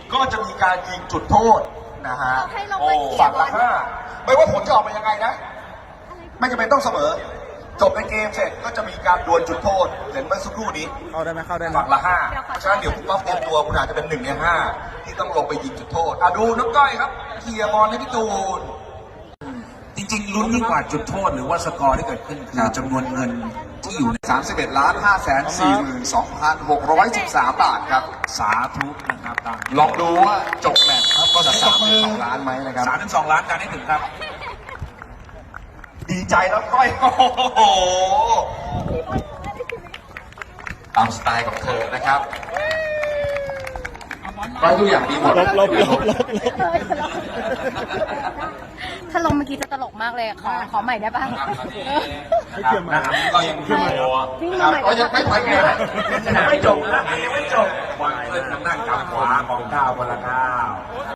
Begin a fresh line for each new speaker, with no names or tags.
ก็จะมีการยิงจุดโทษนะฮะ
ให้ลงมาเขียน
ฝั่งละ5ไม่ว่าผลจะออกมายังไงนะ ไม่จำเป็นต้องเสมอ จบในเกมเสร็จก็จะมีการดวลจุดโทษเห็นเมื่อสักครู่นี้
เข้าได้ไหมเข้าได้ไหม
ฝั่งละ5เพราะฉะนั้นเดี๋ยวคุณป๊อปเตรียมตัวคุณอาจจะเป็น1 ใน 5ที่ต้องลงไปยิงจุดโทษดูน้องก้อยครับเคลียร์บอลให้พี่ตูน
จริงๆลุ้นยิ่งกว่าจุดโทษหรือว่าสกอร์ที่เกิดขึ้นคือจำนวนเงินที่อยู่ใน
31,542,613 บาทครับ
สาธุนะครับตาม
ลองดูว่าจบแมตช์ครับก็จะ32 ล้านไหมนะครับ
3-2 ล้านการให้ถึงครับ
ดีใจแล้วก้อยโอ้โหตามสไตล์ของเธอนะครับก้อยทุกอย่างดีหมด
ถ้าลงเมื่อกี้จะตลกมากเลยขอใหม่ได้ป่ะ
นะครับก็ยังขึ้นมา
ครับก็ยังไม่ไปไง
ไม่จบนะยังไม่จบวางเล่นทางด้านกลางขวาของก้าวคนละก้าว